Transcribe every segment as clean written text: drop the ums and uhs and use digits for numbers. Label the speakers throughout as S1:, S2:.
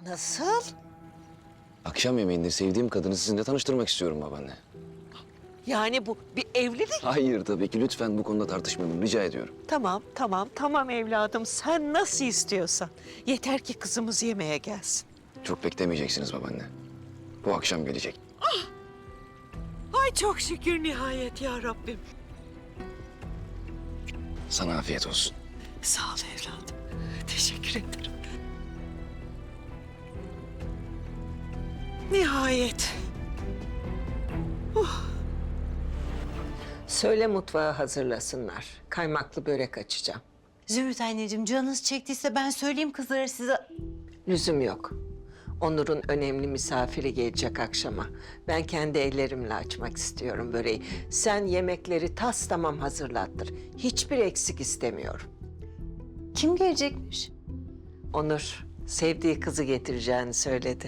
S1: Nasıl?
S2: Akşam yemeğinde sevdiğim kadını sizinle tanıştırmak istiyorum babaanne.
S1: Yani bu bir evlilik.
S2: Hayır tabii ki. Lütfen bu konuda tartışmayalım. Rica ediyorum.
S1: Tamam evladım. Sen nasıl istiyorsan. Yeter ki kızımız yemeğe gelsin.
S2: Çok beklemeyeceksiniz babaanne. Bu akşam gelecek.
S1: Ay çok şükür nihayet ya Rabbim.
S2: Sana afiyet olsun.
S1: Sağ ol evladım. Teşekkür ederim. Nihayet. Söyle mutfağı hazırlasınlar. Kaymaklı börek açacağım.
S3: Zümrüt anneciğim canınız çektiyse ben söyleyeyim kızlara size.
S1: Lüzum yok. Onur'un önemli misafiri gelecek akşama. Ben kendi ellerimle açmak istiyorum böreği. Sen yemekleri tas tamam hazırlattır. Hiçbir eksik istemiyorum.
S3: Kim gelecekmiş?
S1: Onur sevdiği kızı getireceğini söyledi.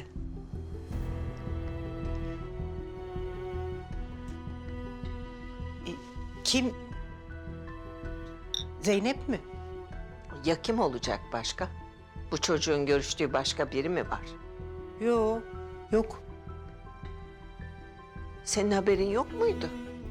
S3: Kim? Zeynep mi?
S1: Ya kim olacak başka? Bu çocuğun görüştüğü başka biri mi var?
S3: Yok.
S1: Senin haberin yok muydu?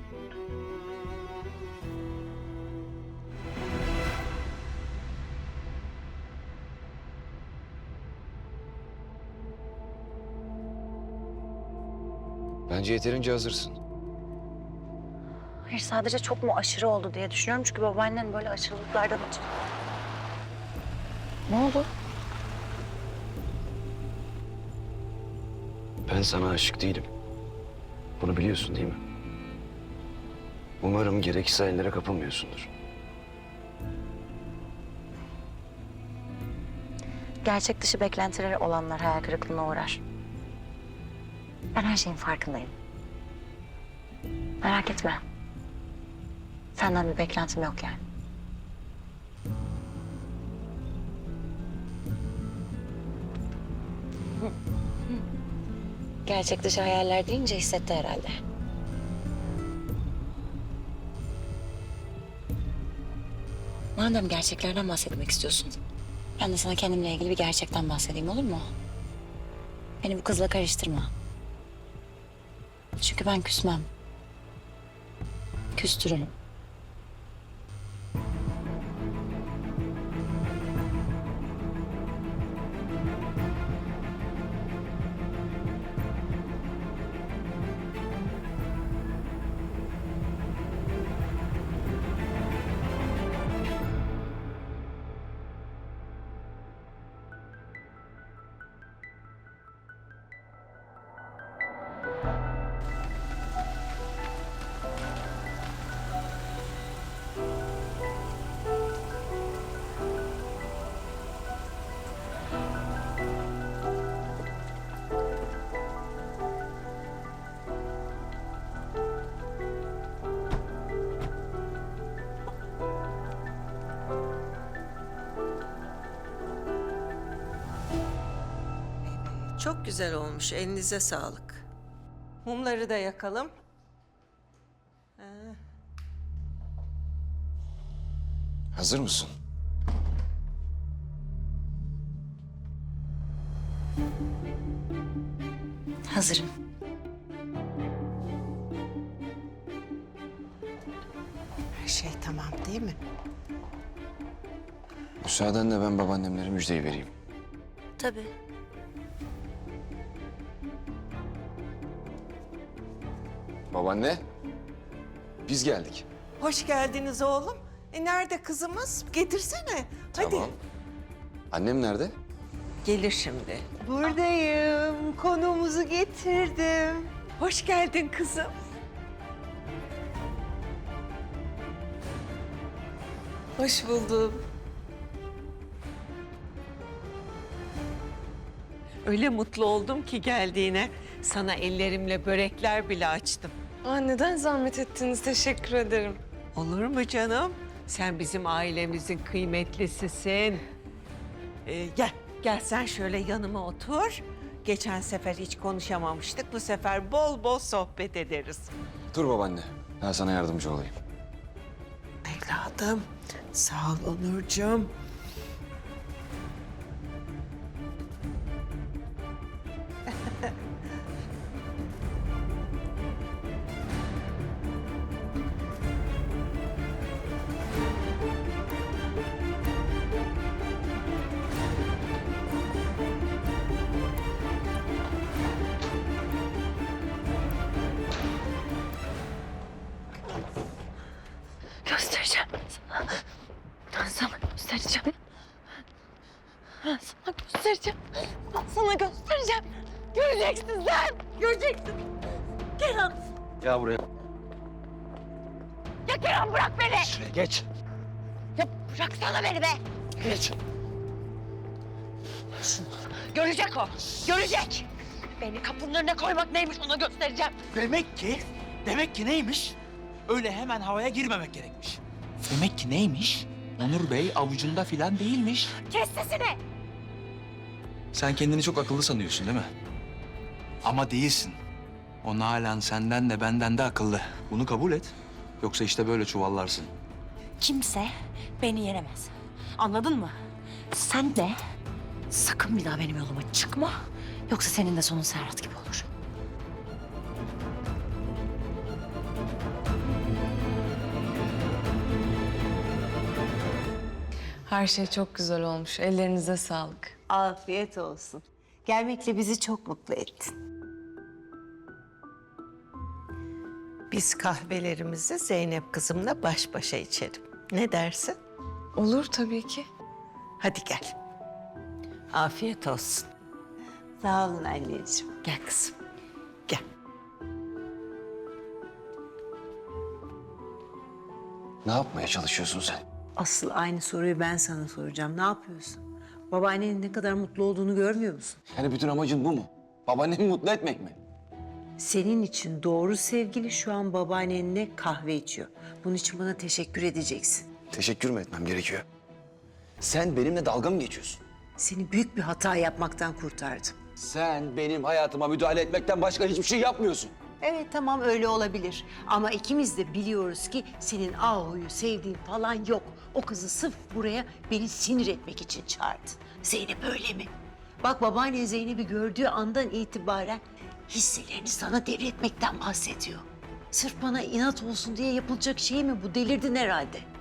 S2: Bence yeterince hazırsın.
S4: Hayır, sadece çok mu aşırı oldu diye düşünüyorum. Çünkü babaannen böyle aşırılıklardan hiç... Ne oldu?
S2: Ben sana aşık değilim. Bunu biliyorsun değil mi? Umarım gereksiz hayallere kapılmıyorsundur.
S4: Gerçek dışı beklentileri olanlar hayal kırıklığına uğrar. Ben her şeyin farkındayım. Merak etme. Senden bir beklentim yok yani. Gerçek dışı hayaller deyince hissetti herhalde. Madem gerçeklerden bahsetmek istiyorsun, ben de sana kendimle ilgili bir gerçekten bahsedeyim, olur mu? Beni bu kızla karıştırma. Çünkü ben küsmem. Küstürürüm.
S1: Çok güzel olmuş. Elinize sağlık. Mumları da yakalım.
S2: Hazır mısın?
S4: Hazırım.
S1: Her şey tamam değil mi?
S2: Müsaadenle ben babaannemlere müjdeyi vereyim.
S4: Tabii.
S2: Babaanne, biz geldik.
S1: Hoş geldiniz oğlum. Nerede kızımız? Getirsene. Hadi.
S2: Tamam. Annem nerede?
S1: Gelir şimdi.
S3: Buradayım. Konuğumuzu getirdim.
S1: Hoş geldin kızım.
S3: Hoş buldum.
S1: Öyle mutlu oldum ki geldiğine. Sana ellerimle börekler bile açtım.
S5: Neden zahmet ettiniz? Teşekkür ederim.
S1: Olur mu canım? Sen bizim ailemizin kıymetlisisin. Gel sen şöyle yanıma otur. Geçen sefer hiç konuşamamıştık. Bu sefer bol bol sohbet ederiz.
S2: Dur babaanne, ben sana yardımcı olayım.
S1: Evladım, sağ ol Onurcuğum.
S5: Göstereceğim sana. Ben sana göstereceğim. Ben sana göstereceğim. Ben sana göstereceğim. Göreceksin sen. Göreceksin. Kerem.
S2: Ya buraya.
S5: Ya Kerem bırak beni.
S2: Şuraya geç.
S5: Ya bıraksana beni be.
S2: Geç.
S5: Görecek o. Görecek. Beni kapının önüne koymak neymiş ona göstereceğim.
S6: Demek ki neymiş? Öyle hemen havaya girmemek gerekmiş. Demek ki neymiş? Onur Bey avucunda filan değilmiş.
S5: Kes sesini.
S6: Sen kendini çok akıllı sanıyorsun değil mi? Ama değilsin. O Nalan senden de benden de akıllı. Bunu kabul et. Yoksa işte böyle çuvallarsın.
S4: Kimse beni yenemez. Anladın mı? Sen de sakın bir daha benim yoluma çıkma. Yoksa senin de sonun Serhat gibi olur.
S5: Her şey çok güzel olmuş. Ellerinize sağlık.
S3: Afiyet olsun. Gelmekle bizi çok mutlu ettin.
S1: Biz kahvelerimizi Zeynep kızımla baş başa içelim. Ne dersin?
S5: Olur tabii ki.
S1: Hadi gel. Afiyet olsun.
S3: Sağ olun anneciğim.
S1: Gel kızım. Gel.
S2: Ne yapmaya çalışıyorsun sen?
S3: Asıl aynı soruyu ben sana soracağım. Ne yapıyorsun? Babaannenin ne kadar mutlu olduğunu görmüyor musun?
S2: Yani bütün amacın bu mu? Babaannemi mutlu etmek mi?
S3: Senin için doğru sevgili şu an babaannenle kahve içiyor. Bunun için bana teşekkür edeceksin.
S2: Teşekkür mü etmem gerekiyor? Sen benimle dalga mı geçiyorsun?
S3: Seni büyük bir hata yapmaktan kurtardım.
S2: Sen benim hayatıma müdahale etmekten başka hiçbir şey yapmıyorsun.
S3: Evet tamam öyle olabilir. Ama ikimiz de biliyoruz ki senin Ahu'yu sevdiğin falan yok. O kızı sırf buraya beni sinir etmek için çağırdı. Zeynep öyle mi? Bak babaannen Zeynep'i gördüğü andan itibaren hisselerini sana devretmekten bahsediyor. Sırf bana inat olsun diye yapılacak şey mi bu? Delirdin herhalde.